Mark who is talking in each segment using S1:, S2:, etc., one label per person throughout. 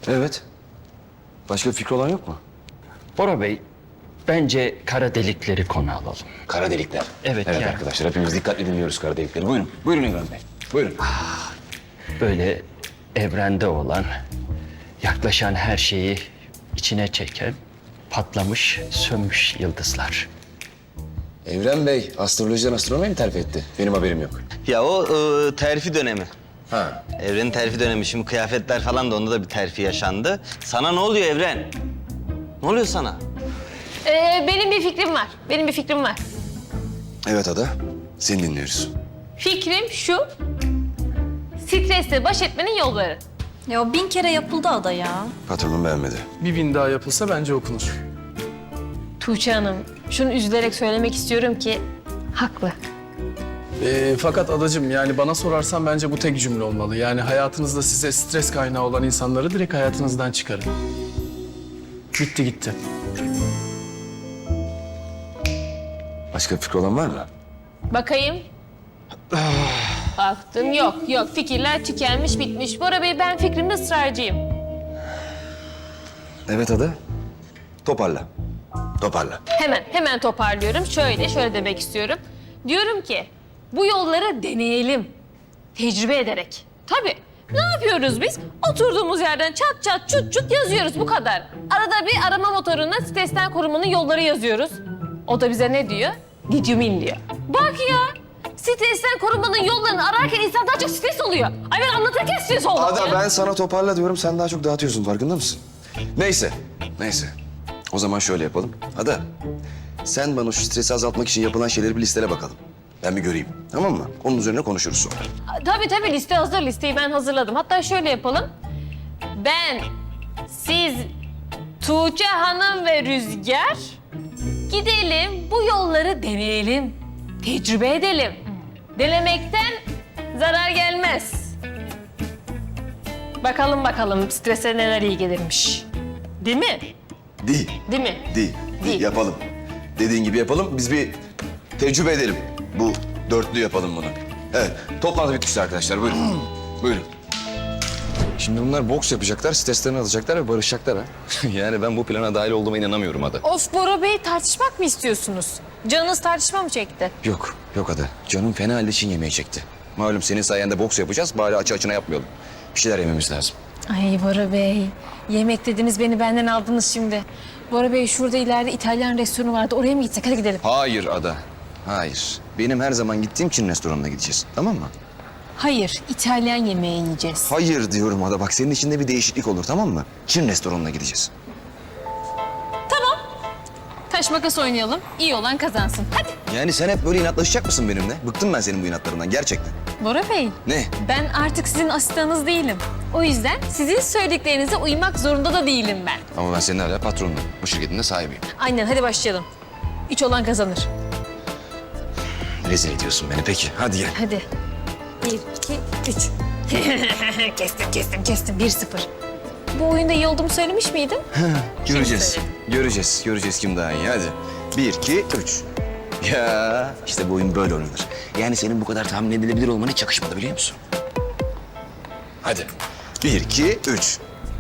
S1: Evet. Başka bir fikri olan yok mu?
S2: Bora Bey, bence kara delikleri konu alalım.
S1: Kara delikler.
S2: Evet,
S1: Evet
S2: yani.
S1: arkadaşlar hepimiz dikkatli dinliyoruz kara delikleri. Buyurun. Buyurun Evren Bey. Buyurun.
S2: Böyle evrende olan, yaklaşan her şeyi içine çeken, patlamış, sönmüş yıldızlar.
S1: Evren Bey astrolojiden astronomiye mi terfi etti? Benim haberim yok.
S3: Ya o terfi dönemi.
S1: Ha.
S3: Evrenin terfi dönemi. Şimdi kıyafetler falan da onda da bir terfi yaşandı. Sana ne oluyor Evren? Ne oluyor sana?
S4: Benim bir fikrim var. Benim bir fikrim var.
S1: Evet Ada. Seni dinliyoruz.
S4: Fikrim şu. Stresle baş etmenin yolları.
S5: Ya o 1000 kere yapıldı ada ya.
S1: Patronum beğenmedi.
S6: Bir bin daha yapılsa bence okunur.
S4: Tuğçe Hanım, şunu üzülerek söylemek istiyorum ki haklı.
S6: Fakat adacığım yani bana sorarsan bence bu tek cümle olmalı. Yani hayatınızda size stres kaynağı olan insanları direkt hayatınızdan çıkarın. Bitti gitti.
S1: Başka bir fikri olan var mı?
S4: Bakayım. Baktım yok fikirler tükenmiş bitmiş. Bora Bey ben fikrimde ısrarcıyım.
S1: Evet Ada. Toparla. Toparla.
S4: Hemen toparlıyorum. Şöyle demek istiyorum. Diyorum ki bu yolları deneyelim. Tecrübe ederek. Tabii. Ne yapıyoruz biz? Oturduğumuz yerden çat çat çut çut yazıyoruz bu kadar. Arada bir arama motoruna stresten korunmanın yolları yazıyoruz. O da bize ne diyor? Didyumin diyor. Bak ya. Stresten korunmanın yollarını ararken insan daha çok stres oluyor. Ay ben anlatırken stres oldum
S1: Ada
S4: ya.
S1: ben sana toparla diyorum. Sen daha çok dağıtıyorsun. Farkında mısın? Neyse. O zaman şöyle yapalım. Ada sen bana şu stresi azaltmak için yapılan şeyleri bir listele bakalım. Ben bir göreyim. Tamam mı? Onun üzerine konuşuruz sonra.
S4: Tabii liste hazır. Listeyi ben hazırladım. Hatta şöyle yapalım. Ben, siz, Tuğçe Hanım ve Rüzgar gidelim bu yolları deneyelim. Tecrübe edelim. Denemekten zarar gelmez. Bakalım strese neler iyi gelirmiş. Değil mi?
S1: Değil.
S4: Değil mi?
S1: Değil. Yapalım. Dediğin gibi yapalım. Biz bir tecrübe edelim. Bu dörtlü yapalım bunu. Evet. Toplantı bitmişti arkadaşlar. Buyurun. Buyurun. Şimdi bunlar boks yapacaklar, streslerini alacaklar ve barışacaklar ha. Yani ben bu plana dahil olduğuma inanamıyorum Ada.
S4: Of Bora Bey tartışmak mı istiyorsunuz? Canınız tartışma mı çekti?
S1: Yok Ada. Canım fena halde Çin yemeği çekti. Malum senin sayende boks yapacağız. Bari açı açına yapmayalım. Bir şeyler yememiz lazım.
S4: Ay Bora Bey, yemek dediniz beni benden aldınız şimdi. Bora Bey şurada ileride İtalyan restoranı vardı. Oraya mı gitsek? Hadi gidelim.
S1: Hayır Ada. Hayır. Benim her zaman gittiğim Çin restoranına gideceğiz. Tamam mı?
S4: Hayır, İtalyan yemeği yiyeceğiz.
S1: Hayır diyorum Ada. Bak senin içinde bir değişiklik olur tamam mı? Çin restoranına gideceğiz.
S4: Taş makas oynayalım. İyi olan kazansın. Hadi.
S1: Yani sen hep böyle inatlaşacak mısın benimle? Bıktım ben senin bu inatlarından gerçekten.
S4: Bora Bey,
S1: Ne?
S4: ben artık sizin asistanınız değilim. O yüzden sizin söylediklerinize uymak zorunda da değilim ben.
S1: Ama ben senin hala patronunum. Bu şirketin de sahibiyim.
S4: Aynen, hadi başlayalım. 3 olan kazanır.
S1: Rezil ediyorsun beni. Peki hadi gel.
S4: Hadi. 1, 2, 3. Kestim. 1-0. Bu oyunda iyi olduğumu söylemiş miydim?
S1: Göreceğiz. Göreceğiz kim daha iyi. Hadi. 1, 2, 3. Ya işte bu oyun böyle oynanır. Yani senin bu kadar tahmin edilebilir olman hiç yakışmadı biliyor musun? Hadi. 1, 2, 3.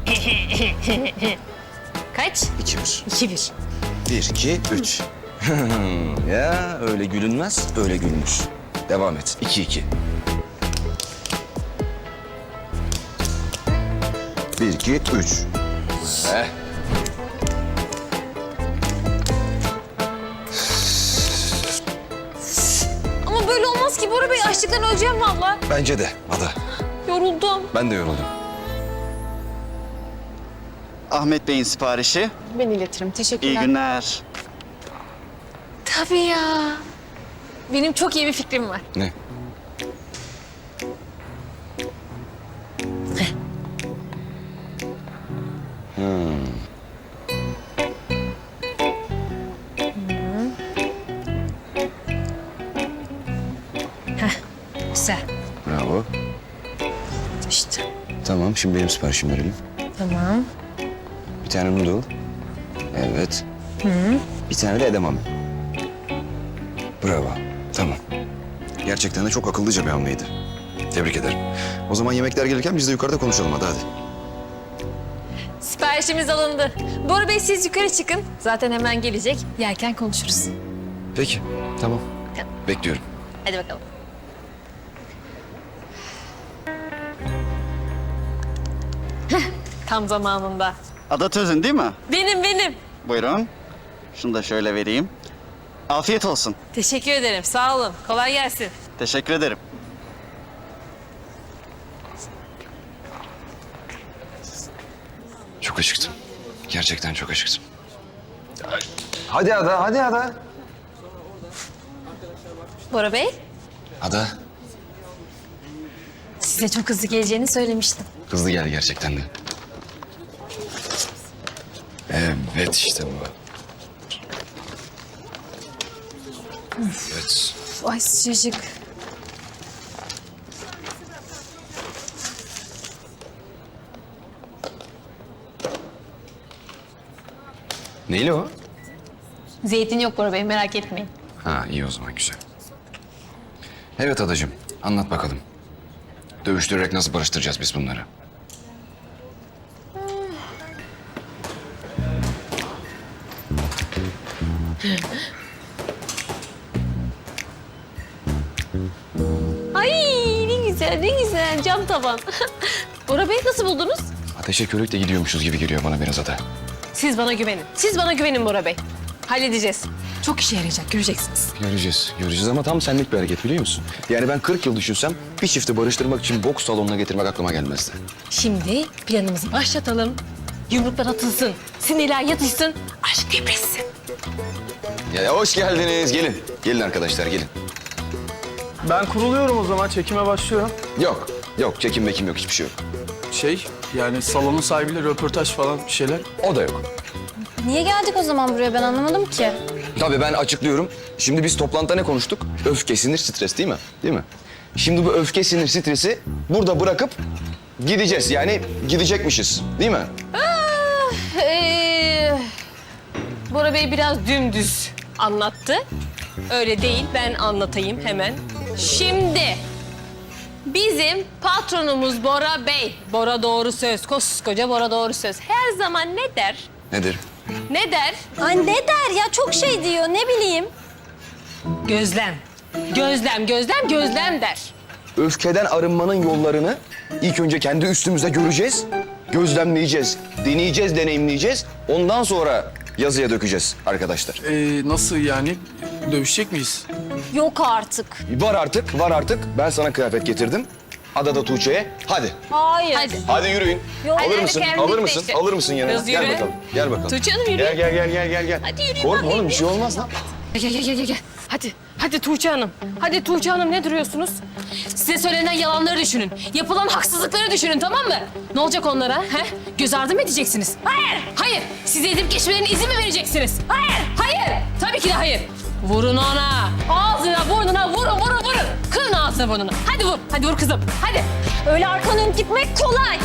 S4: Kaç?
S1: 2, 1.
S4: 2-1.
S1: 1, 2, 3. Ya öyle gülünmez, öyle gülünür. Devam et. 2, 2. 1, 2, 3.
S4: Ama böyle olmaz ki Bora Bey. Açlıktan öleceğim vallahi.
S1: Bence de Ada.
S4: Yoruldum.
S1: Ben de yoruldum.
S3: Ahmet Bey'in siparişi.
S4: Ben iletirim. Teşekkürler.
S3: İyi günler.
S4: Tabii ya. Benim çok iyi bir fikrim var.
S1: Ne?
S4: Güzel.
S1: Bravo.
S4: İşte.
S1: Tamam, şimdi benim siparişimi verelim.
S4: Tamam.
S1: Bir tane noodle. Evet. Bir tane de edamame. Bravo. Tamam. Gerçekten de çok akıllıca bir hamleydi. Tebrik ederim. O zaman yemekler gelirken biz de yukarıda konuşalım hadi.
S4: Siparişimiz alındı. Bora Bey siz yukarı çıkın. Zaten hemen gelecek. Yerken konuşuruz.
S1: Peki, tamam.
S4: Tamam.
S1: Bekliyorum.
S4: Hadi bakalım. Heh, tam zamanında.
S7: Ada Tözün değil mi?
S4: Benim.
S7: Buyurun. Şunu da şöyle vereyim. Afiyet olsun.
S4: Teşekkür ederim. Sağ olun. Kolay gelsin.
S7: Teşekkür ederim.
S1: Çok acıktım. Gerçekten çok acıktım. Hadi Ada, hadi Ada.
S4: Bora Bey,
S1: Ada,
S4: size çok hızlı geleceğini söylemiştim.
S1: hızlı gel gerçekten de. Evet işte bu. Evet.
S4: Ay sıcacık.
S1: Neyli o?
S4: Zeytin yok Bora Bey, merak etmeyin.
S1: Ha iyi o zaman güzel. Evet adacığım anlat bakalım. Dövüştürerek nasıl barıştıracağız biz bunları?
S4: Ay ne güzel, ne güzel. Cam tavan. Bora Bey nasıl buldunuz?
S1: Ateşe körükle gidiyormuşuz gibi geliyor bana biraz Ada.
S4: Siz bana güvenin. Siz bana güvenin Bora Bey. Halledeceğiz. Çok işe yarayacak, göreceksiniz.
S1: Göreceğiz ama tam senlik bir hareket biliyor musun? Yani ben 40 yıl düşünsem bir çifti barıştırmak için boks salonuna getirmek aklıma gelmezdi.
S4: Şimdi planımızı başlatalım. Yumruklar atılsın, sinirler yatışsın, aşk depresin.
S1: Ya hoş geldiniz. Gelin. Gelin arkadaşlar gelin.
S6: Ben kuruluyorum o zaman. Çekime başlıyorum.
S1: Yok çekim mekim yok hiçbir şey yok.
S6: Yani salonun sahibiyle röportaj falan bir şeyler.
S1: O da yok.
S5: Niye geldik o zaman buraya ben anlamadım ki.
S1: Tabii ben açıklıyorum. Şimdi biz toplantıda ne konuştuk? Öfke, sinir, stres değil mi? Değil mi? Şimdi bu öfke, sinir, stresi burada bırakıp gideceğiz. Yani gidecekmişiz. Değil mi?
S4: Bora Bey biraz dümdüz anlattı. Öyle değil, ben anlatayım hemen. Şimdi bizim patronumuz Bora Bey. Bora doğru söz, koskoca Bora doğru söz. Her zaman ne der?
S1: Nedir?
S4: Ne der?
S5: Ay ne der ya çok şey diyor ne bileyim.
S4: Gözlem. Gözlem der.
S1: Öfkeden arınmanın yollarını ilk önce kendi üstümüzde göreceğiz. Gözlemleyeceğiz, deneyeceğiz, deneyimleyeceğiz. Ondan sonra yazıya dökeceğiz arkadaşlar.
S6: Nasıl yani? Dövüşecek miyiz?
S5: Yok artık.
S1: Var artık. Ben sana kıyafet getirdim. Ada da Tuğçe'ye. Hadi.
S5: Hayır.
S4: Hadi.
S1: Hadi yürüyün.
S5: Yok.
S1: Alır
S4: Hadi,
S1: mısın?
S4: hadi,
S1: Alır
S4: kendin
S1: mısın?
S4: seçti.
S1: Alır mısın yanına?
S4: Kız
S1: Gel
S4: yürü.
S1: bakalım. Gel bakalım.
S4: Tuğçe Hanım yürü.
S1: Gel.
S4: Hadi yürüyün
S1: Korkma
S4: bakayım.
S1: oğlum bir şey olmaz lan.
S4: Gel. Hadi Tuğçe Hanım. Hadi Tuğçe Hanım ne duruyorsunuz? Size söylenen yalanları düşünün. Yapılan haksızlıkları düşünün tamam mı? Ne olacak onlara? He? Göz ardı mı edeceksiniz? Hayır. Size edip geçmelerine izin mi vereceksiniz? Hayır. Tabii ki de hayır. Vurun ona. Ağzına, burnuna vurun. Kırın ağzına, burnuna. Hadi vur kızım. Hadi.
S5: Öyle arkanı dönüp gitmek kolay.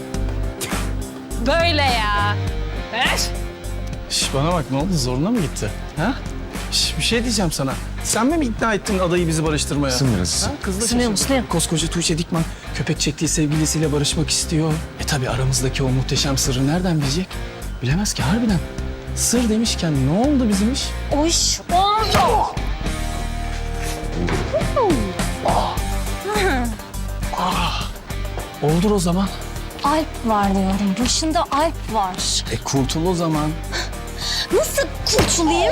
S4: Böyle ya. Ver.
S6: Bana bak ne oldu zoruna mı gitti? Ha? Bir şey diyeceğim sana. Sen mi ikna ettin adayı bizi barıştırmaya?
S1: Isın biraz.
S6: Ha? Kızla
S4: Isınıyorum,
S6: şaşırdım.
S4: ısınıyorum.
S6: Koskoca Tuğçe Dikman köpek çektiği sevgilisiyle barışmak istiyor. Tabii aramızdaki o muhteşem sırrı nereden bilecek? Bilemez ki harbiden. Sır demişken ne oldu bizim iş?
S5: O iş oldu.
S6: Oldur o zaman.
S5: Alp var diyorum. Başında Alp var.
S6: Kurtul o zaman.
S5: Nasıl kurtulayım?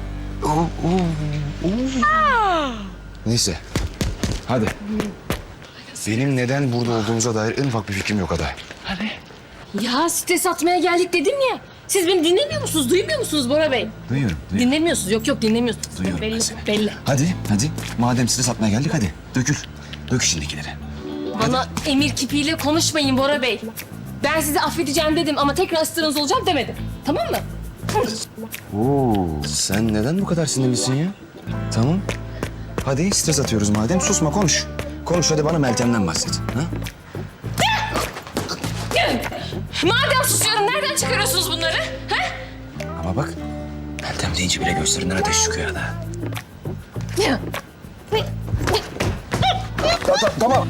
S1: Neyse. Hadi. Benim neden burada olduğumuza dair en ufak bir fikrim yok Ada.
S4: Ya stres atmaya geldik dedim ya. Siz beni dinlemiyor musunuz? Duymuyor musunuz Bora Bey?
S1: Duyuyorum.
S4: Dinlemiyorsunuz. Yok dinlemiyorsunuz.
S1: Duyuyorum ben
S4: belli,
S1: seni.
S4: belli.
S1: Hadi. Madem stres atmaya geldik hadi. Dökül. Dök içindekileri.
S4: Bana emir kipiyle konuşmayın Bora Bey. Ben sizi affedeceğim dedim ama tekrar ısırınız olacağım demedim. Tamam mı?
S1: Oo, sen neden bu kadar sinirlisin ya? Tamam. Hadi stres atıyoruz madem. Susma konuş. Konuş hadi bana Meltem'den bahset. Ha?
S4: Madem susuyorum nereden çıkarıyorsunuz bunları? Ha?
S1: Ama bak Meltem deyince bile gözlerinden ateş çıkıyor Ada. Tamam.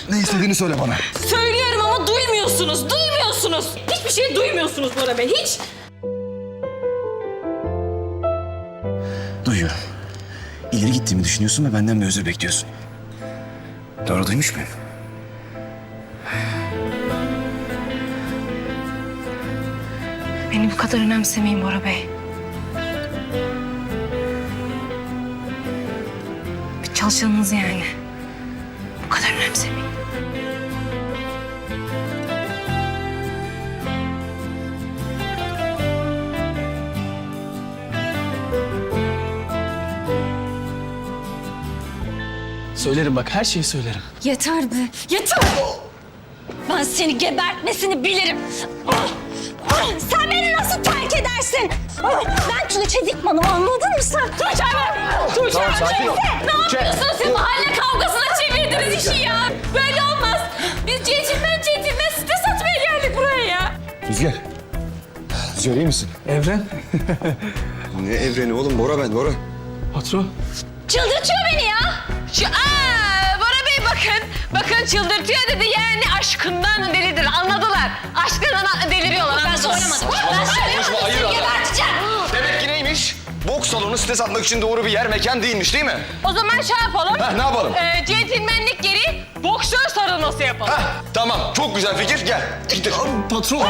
S1: Ne istediğini söyle bana.
S4: Söylüyorum ama duymuyorsunuz, duymuyorsunuz. Hiçbir şey duymuyorsunuz Bora Bey, hiç.
S1: Duyuyorum. İleri gittiğimi düşünüyorsun ve benden bir özür bekliyorsun. Doğru duymuş muyum?
S5: Beni bu kadar önemsemeyin Bora Bey. Bir çalışanınız yani. Bu kadar önemsemeyin.
S6: Söylerim bak, her şeyi söylerim.
S5: Yeter be, yeter! Ben seni gebertmesini bilirim. Sen beni nasıl terk edersin? Ben Tuğçe Dikman'ım, anladın mı sen?
S4: Tuğçe Hanım! Tuğçe Hanım!
S1: sakin ol.
S4: Ne yapıyorsunuz siz? Mahalle kavgasına çevirdiniz işi ya. Böyle olmaz. Biz centilmen site satmaya geldik buraya ya.
S1: Rüzgar. Rüzgar iyi misin?
S6: Evren.
S1: Ne evreni oğlum? Bora ben, Bora.
S6: Patron.
S4: Çıldırtıyor beni ya. Bora Bey bakın çıldırtıyor dedi yani aşkından delidir anladılar. Aşkından deliriyorlar. Ben söylemadım. Ben söylemadım.
S1: hayır ama.
S4: Geberteceğim.
S1: Demek ki neymiş? Boks salonu stres atmak için doğru bir yer, mekan değilmiş değil mi?
S4: O zaman şey yapalım.
S1: Ne yapalım?
S4: Centilmenlik geri boksör sarılması yapalım.
S1: Tamam, çok güzel fikir. Gel. Gidelim.
S6: Patron.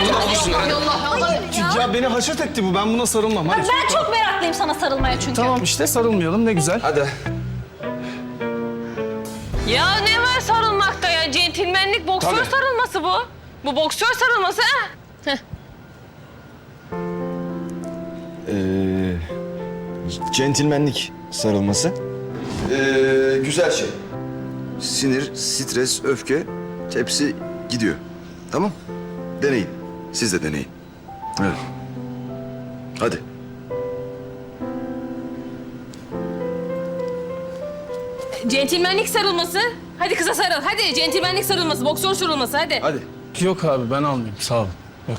S6: Ya beni haşet etti bu. Ben buna sarılmam. Hadi.
S5: Ben çok meraklıyım sana sarılmaya çünkü.
S6: Tamam işte, sarılmayalım, ne güzel.
S1: Hadi.
S4: Ya ne var sarılmakta ya? Centilmenlik boksör
S1: Tabii.
S4: sarılması bu. Bu boksör sarılması ha?
S1: Centilmenlik sarılması. Güzel şey. Sinir, stres, öfke hepsi gidiyor. Tamam? Deneyin. Siz de deneyin. Evet. Hadi.
S4: Centilmenlik sarılması. Hadi kıza sarıl. Hadi centilmenlik sarılması, boksör sarılması hadi.
S1: Hadi.
S6: Yok abi, ben almayayım. Sağ olun. Yok.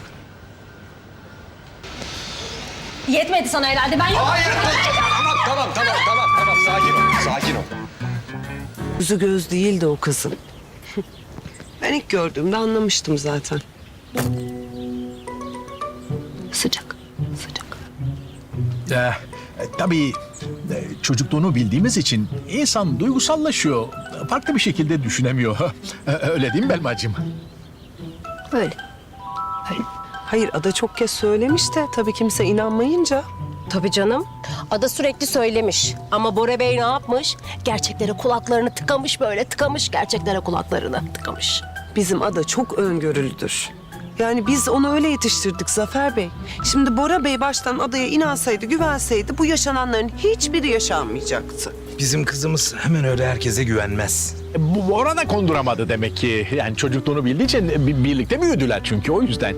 S5: Yetmedi sana herhalde, ben yok.
S1: Hayır. Tamam. Sakin ol.
S8: Yüzü göz değildi o kızın. Ben ilk gördüğümde anlamıştım zaten.
S5: Sıcak, sıcak.
S9: Tabii çocukluğunu bildiğimiz için insan duygusallaşıyor. Farklı bir şekilde düşünemiyor. Öyle değil mi Belmacığım?
S5: Öyle.
S8: Hayır, Ada çok kez söylemiş de tabii kimse inanmayınca.
S10: Tabii canım. Ada sürekli söylemiş. Ama Bora Bey ne yapmış? Gerçeklere kulaklarını tıkamış böyle. Tıkamış gerçeklere kulaklarını tıkamış.
S8: Bizim Ada çok öngörülüdür. Yani biz onu öyle yetiştirdik Zafer Bey. Şimdi Bora Bey baştan Ada'ya inansaydı, güvenseydi bu yaşananların hiçbiri yaşanmayacaktı.
S11: Bizim kızımız hemen öyle herkese güvenmez.
S9: Bu Bora da konduramadı demek ki. Yani çocukluğunu bildiği için birlikte büyüdüler çünkü o yüzden.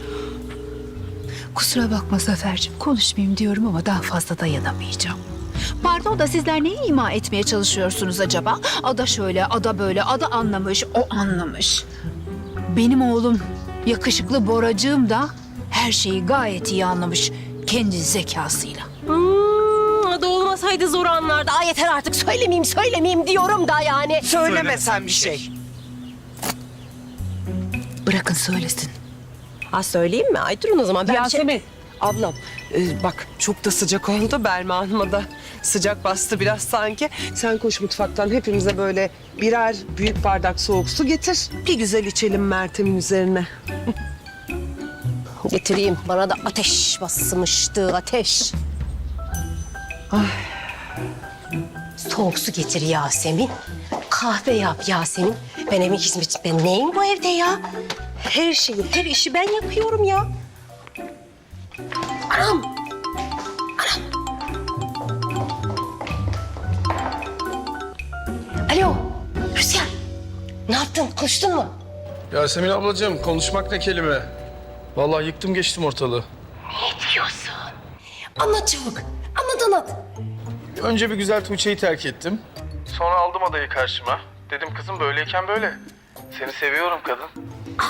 S12: Kusura bakma Zafer'cim, konuşmayayım diyorum ama daha fazla dayanamayacağım. Pardon da sizler neyi ima etmeye çalışıyorsunuz acaba? Ada şöyle, ada böyle, ada anlamış, o anlamış. Benim oğlum, yakışıklı Boracığım da her şeyi gayet iyi anlamış kendi zekasıyla.
S10: Ada olmasaydı zor anlardı. Ay yeter artık söylemeyeyim diyorum da yani.
S8: Söylemesen bir şey.
S12: Bırakın söylesin.
S10: Ha söyleyeyim mi? Ay durun o zaman. Ben
S8: Yasemin, ablam bak çok da sıcak oldu. Belma Hanım'a da sıcak bastı biraz sanki. Sen koş mutfaktan hepimize böyle birer büyük bardak soğuk su getir. Bir güzel içelim Meltem'in üzerine.
S10: Getireyim. Bana da ateş basmıştı, ateş. Soğuk su getir Yasemin. Kahve yap Yasemin. Ben evin hizmetçi. Ben neyim bu evde ya? Her şeyi, her işi ben yapıyorum ya. Anam! Alo, Rüzgar. Ne yaptın? Konuştun mu?
S6: Yasemin ablacığım, konuşmak ne kelime? Vallahi yıktım geçtim ortalığı.
S10: Ne diyorsun? Anlat çabuk. Anlat.
S6: Önce bir güzel Tuğçe'yi terk ettim. Sonra aldım adayı karşıma. Dedim kızım böyleyken böyle. Seni seviyorum kadın.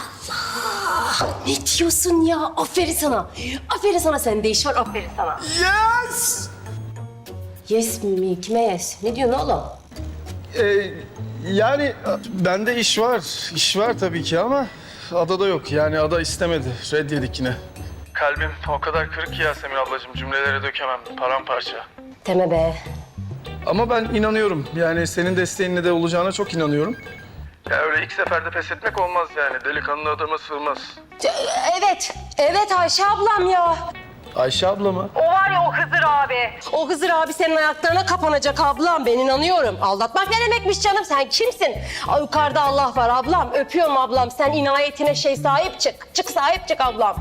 S10: Ne diyorsun ya? Aferin sana. Aferin sana, sende iş var. Aferin sana.
S6: Yes!
S10: Yes mi? Kime yes? Ne diyorsun oğlum?
S6: Yani bende iş var. İş var tabii ki ama adada yok. Yani ada istemedi. Red yedik yine. Kalbim o kadar kırık ki Yasemin ablacığım. Cümlelere dökemem. Paramparça.
S10: Deme be.
S6: Ama ben inanıyorum. Yani senin desteğinle de olacağına çok inanıyorum. Ya öyle ilk seferde pes etmek olmaz yani. Delikanlı adama sığmaz.
S10: Evet Ayşe ablam ya.
S6: Ayşe abla mı?
S10: O var ya o Hızır abi. O Hızır abi senin ayaklarına kapanacak ablam. Ben inanıyorum. Aldatmak ne demekmiş canım? Sen kimsin? Ay, yukarıda Allah var ablam. Öpüyorum ablam. Sen inayetine sahip çık. Sahip çık ablam.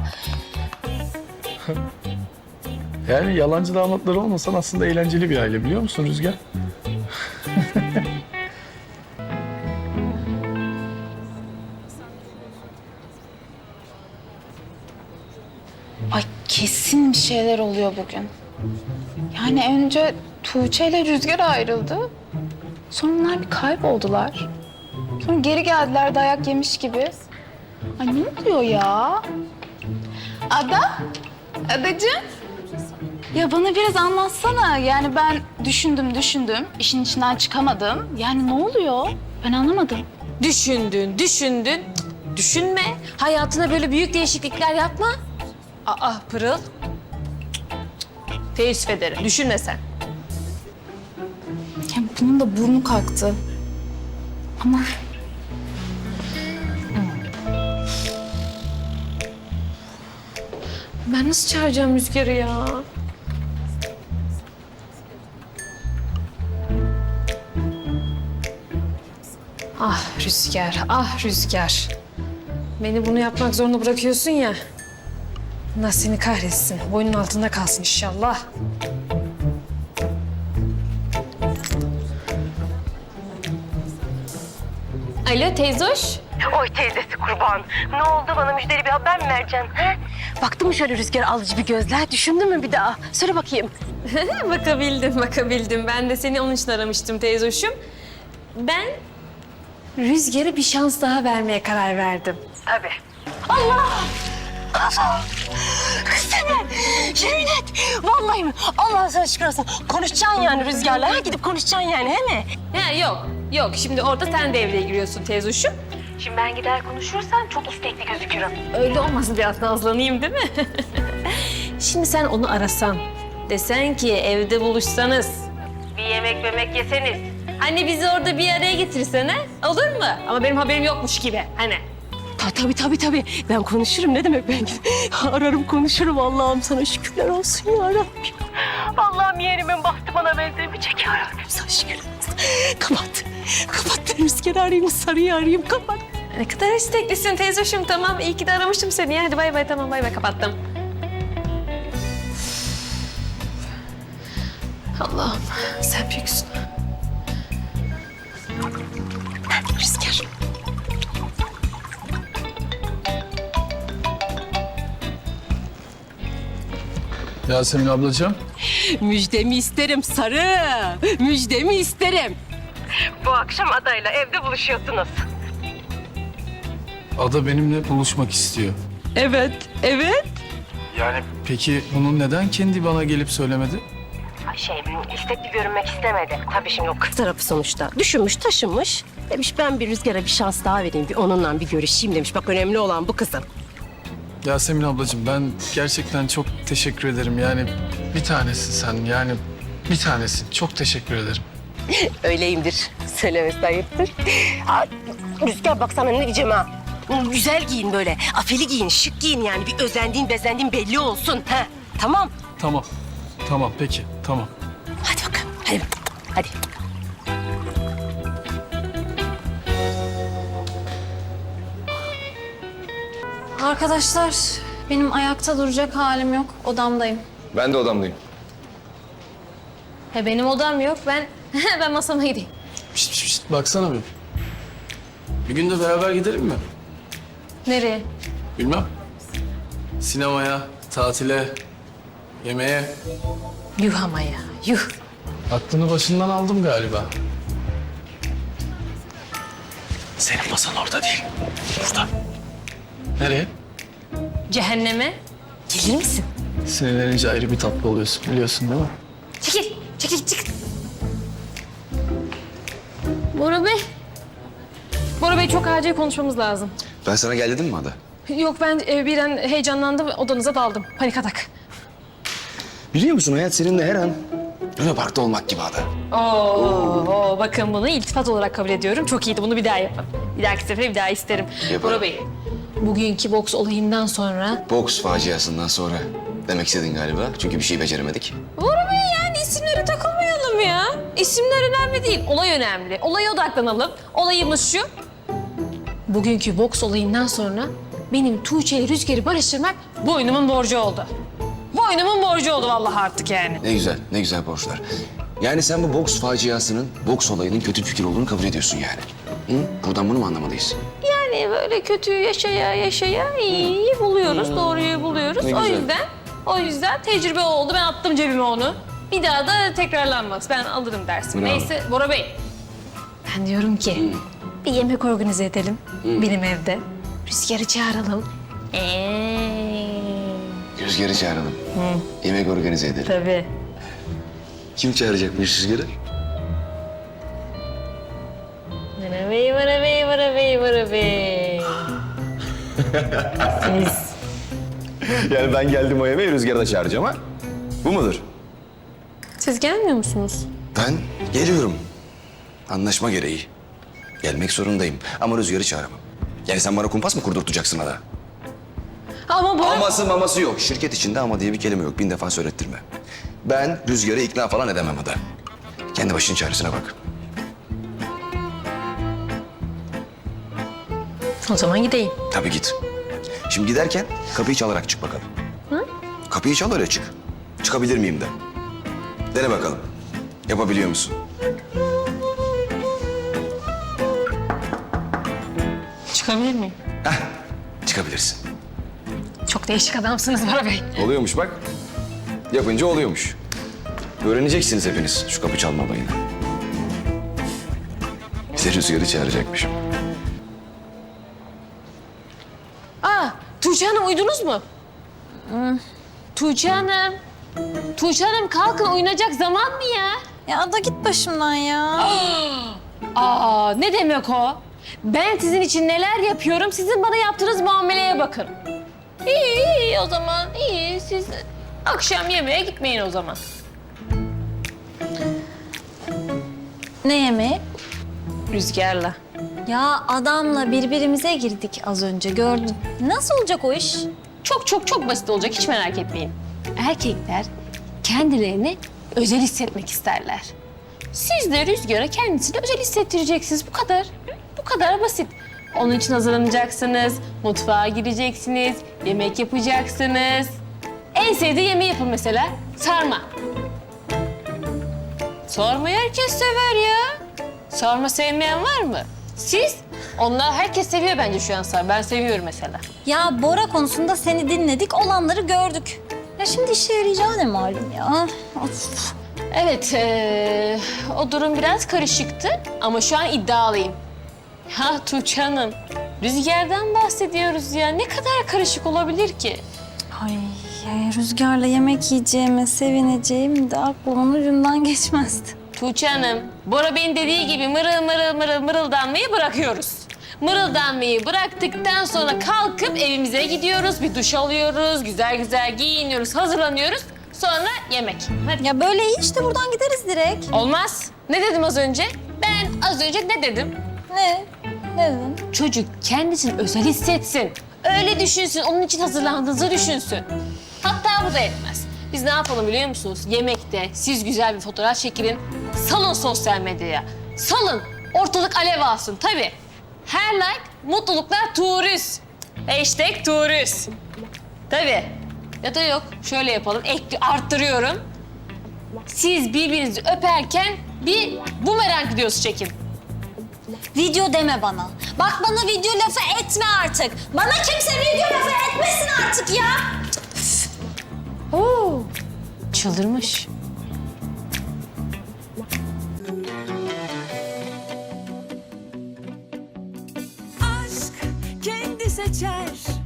S6: Yani yalancı damatları olmasan aslında eğlenceli bir aile biliyor musun Rüzgar?
S12: Ay kesin bir şeyler oluyor bugün. Yani önce Tuğçe ile Rüzgar ayrıldı. Sonra onlar bir kayboldular. Sonra geri geldiler dayak yemiş gibi. Ay ne oluyor ya? Ada? Adacığım? Ya bana biraz anlatsana. Yani ben düşündüm. İşin içinden çıkamadım. Yani ne oluyor? Ben anlamadım.
S4: Düşündün. Cık, düşünme. Hayatına böyle büyük değişiklikler yapma. Aa Pırıl. Teessüf ederim. Düşünme sen.
S12: Ya bunun da burnu kalktı. Ama
S4: Ben nasıl çağıracağım Rüzgar'ı ya? Ah Rüzgar. Beni bunu yapmak zorunda bırakıyorsun ya. Allah seni kahretsin. Boynun altında kalsın inşallah. Alo teyzoş.
S10: Oy teyzesi kurban. Ne oldu, bana müjdeli bir haber mi vereceksin? He? Baktın mı şöyle Rüzgar alıcı bir gözler? Düşündün mü bir daha? Söyle bakayım.
S4: Bakabildim. Ben de seni onun için aramıştım teyzoşum. Ben Rüzgar'a bir şans daha vermeye karar verdim.
S10: Tabii. Allah! Kız seni! Yemin et! Vallahi mi? Allah sana şükür olsun. Konuşacaksın yani Rüzgar'la. Ha? Gidip konuşacaksın yani, he mi?
S4: Ha yok. Şimdi orada sen devreye giriyorsun teyzoşum.
S10: Şimdi ben gider konuşursam çok istekli gözükürüm.
S4: Öyle olmasın, biraz nazlanayım değil mi? Şimdi sen onu arasan, desen ki evde buluşsanız, bir yemek yeseniz. Hani bizi orada bir araya getirsene, olur mu? Ama benim haberim yokmuş gibi, hani.
S10: Tabii. Ben konuşurum. Ne demek ben? Ararım konuşurum. Allah'ım sana şükürler olsun ya Rabbim. Allah'ım yeğenimin bahtı bana benzemeyecek ya Rabbim. Sana şükürler olsun. Kapat. Ben Rüzgar'ı arayayım, Sarı'yı arayayım. Kapat.
S4: Ne kadar isteklisin teyzoşum, tamam. İyi ki de aramıştım seni. Hadi bay bay, tamam bay bay, kapattım. Allah'ım sen büyüksün.
S10: Rüzgar.
S6: Yasemin ablacığım.
S10: Müjdemi isterim Sarı. Müjdemi isterim. Bu akşam adayla evde buluşuyorsunuz.
S6: Ada benimle buluşmak istiyor.
S10: Evet.
S6: Yani peki bunu neden kendi bana gelip söylemedi?
S10: İstekli görünmek istemedi. Tabii şimdi o kız tarafı sonuçta. Düşünmüş, taşınmış. Demiş ben bir Rüzgar'a bir şans daha vereyim. Bir onunla bir görüşeyim demiş. Bak önemli olan bu kızım.
S6: Yasemin ablacığım ben gerçekten çok teşekkür ederim. Yani bir tanesin sen yani bir tanesin. Çok teşekkür ederim.
S10: Öyleyimdir. Söylemesi ayıptır. Rüzgar bak sana ne diyeceğim ha. Güzel giyin böyle. Afili giyin, şık giyin yani. Bir özendiğin, bezendiğin belli olsun. Ha, tamam.
S6: Tamam peki tamam.
S10: Hadi bakalım. Hadi.
S4: Arkadaşlar, benim ayakta duracak halim yok. Odamdayım.
S1: Ben de odamdayım.
S4: Benim odam yok. Ben masama gideyim.
S6: Şişt, baksana bir. Bir gün de beraber gidelim mi?
S4: Nereye?
S6: Bilmem. Sinemaya, tatile, yemeğe.
S4: Yuh ama ya, yuh.
S6: Aklını başından aldım galiba. Senin masan orada değil. Burada. Nereye?
S4: Cehenneme. Gelir misin?
S6: Sinirlenince ayrı bir tatlı oluyorsun biliyorsun değil mi?
S4: Çekil. Bora Bey, Bey çok acil konuşmamız lazım.
S1: Ben sana gel dedim mi Ada?
S4: Yok ben birden heyecanlandım, odanıza daldım. Panik atak.
S1: Biliyor musun hayat seninle her an Luna Park'ta olmak gibi Ada.
S4: Oo, bakın bunu iltifat olarak kabul ediyorum. Çok iyiydi, bunu bir daha yapın. Bir dahaki sefere bir daha isterim.
S1: Yaparım.
S4: Bora Bey, bugünkü boks olayından sonra...
S1: Boks faciasından sonra demek istedin galiba. Çünkü bir şey beceremedik.
S4: Bora Bey yani isimlere takılmayalım ya. İsimler önemli değil, olay önemli. Olaya odaklanalım. Olayımız şu. Bugünkü boks olayından sonra benim Tuğçe ile Rüzgar'ı barıştırmak boynumun borcu oldu. Boynumun borcu oldu vallahi artık yani.
S1: Ne güzel borçlar. Yani sen bu boks faciasının, boks olayının kötü bir fikir olduğunu kabul ediyorsun yani. Hı? Buradan bunu mu anlamalıyız?
S4: Yani böyle kötüyü yaşaya iyiyi buluyoruz, doğruyu buluyoruz.
S1: Ne güzel.
S4: O yüzden tecrübe oldu. Ben attım cebime onu. Bir daha da tekrarlanmaz. Ben alırım dersimi.
S1: Bravo.
S4: Neyse Bora Bey. Ben diyorum ki bir yemek organize edelim benim evde. Rüzgar'ı çağıralım.
S1: Rüzgar'ı çağıralım. Yemek organize edelim.
S4: Tabii.
S1: Kim çağıracakmış Rüzgar'ı?
S4: Bora Bey. Siz.
S1: Yani ben geldim o yemeği Rüzgar'ı da çağıracağım ha? Bu mudur?
S4: Siz gelmiyor musunuz?
S1: Ben geliyorum. Anlaşma gereği. Gelmek zorundayım ama Rüzgar'ı çağıramam. Yani sen bana kumpas mı kurdurtacaksın Ada?
S4: Ama Bora...
S1: Aması maması yok. Şirket içinde ama diye bir kelime yok. 1000 defa söylettirme. Ben Rüzgar'ı ikna falan edemem Ada. Kendi başının çaresine bak.
S4: O zaman gideyim.
S1: Tabii git. Şimdi giderken kapıyı çalarak çık bakalım. Hı? Kapıyı çal öyle çık. Çıkabilir miyim de. Dene bakalım. Yapabiliyor musun?
S4: Çıkabilir miyim?
S1: Heh, çıkabilirsin.
S4: Çok değişik adamsınız Bora Bey.
S1: Oluyormuş bak. Yapınca oluyormuş. Öğreneceksiniz hepiniz şu kapı çalma olayını. Bize Rüzgar'ı çağıracakmışım.
S4: Tuğçe Hanım uyudunuz mu? Tuğçe Hanım. Tuğçe Hanım kalkın, uyunacak zaman mı ya?
S5: Ya Ada git başımdan ya.
S4: Ne demek o? Ben sizin için neler yapıyorum, sizin bana yaptığınız muameleye bakın. İyi o zaman, iyi. Siz akşam yemeğe gitmeyin o zaman.
S5: Ne yemeği?
S4: Rüzgar'la.
S5: Ya adamla birbirimize girdik az önce gördün. Nasıl olacak o iş?
S4: Çok basit olacak, hiç merak etmeyin. Erkekler kendilerini özel hissetmek isterler. Siz de Rüzgar'a kendisini özel hissettireceksiniz. Bu kadar. Bu kadar basit. Onun için hazırlanacaksınız, mutfağa gireceksiniz, yemek yapacaksınız. En sevdiği yemeği yapın mesela, sarma. Sarmayı herkes sever ya. Sarma sevmeyen var mı? Siz? Onlar herkes seviyor bence şu an sarma. Ben seviyorum mesela.
S5: Ya Bora konusunda seni dinledik, olanları gördük. Ya şimdi işe yarayacağı ne malum ya? Of.
S4: Evet, o durum biraz karışıktı ama şu an iddialıyım. Ha Tuğçe Hanım, Rüzgar'dan bahsediyoruz ya. Ne kadar karışık olabilir ki?
S5: Ay Rüzgar'la yemek yiyeceğime sevineceğim de aklımın ucundan geçmezdi.
S4: Tuğçe Hanım, Bora Bey'in dediği gibi mırıldanmayı bırakıyoruz. Mırıldanmayı bıraktıktan sonra kalkıp evimize gidiyoruz, bir duş alıyoruz, güzel giyiniyoruz, hazırlanıyoruz. Sonra yemek. Hadi.
S5: Ya böyle iyi işte buradan gideriz direkt.
S4: Olmaz. Ne dedim az önce? Ben az önce ne dedim?
S5: Ne? Ne dedin?
S4: Çocuk kendisini özel hissetsin. Öyle düşünsün, onun için hazırlandığınızı düşünsün. Hatta bu da etmez. Biz ne yapalım biliyor musunuz? Yemekte siz güzel bir fotoğraf çekilin. Salın sosyal medyaya. Salın. Ortalık alev alsın. Tabii. Her like mutluluklar turist. Hashtag turist. Tabii. Ya da yok. Şöyle yapalım. Arttırıyorum. Siz birbirinizi öperken bir bumerang videosu çekin.
S5: Video deme bana. Bak bana video lafı etme artık. Bana kimse video lafı etmesin artık ya.
S4: Oo. Çıldırmış.
S10: Aşk kendi seçer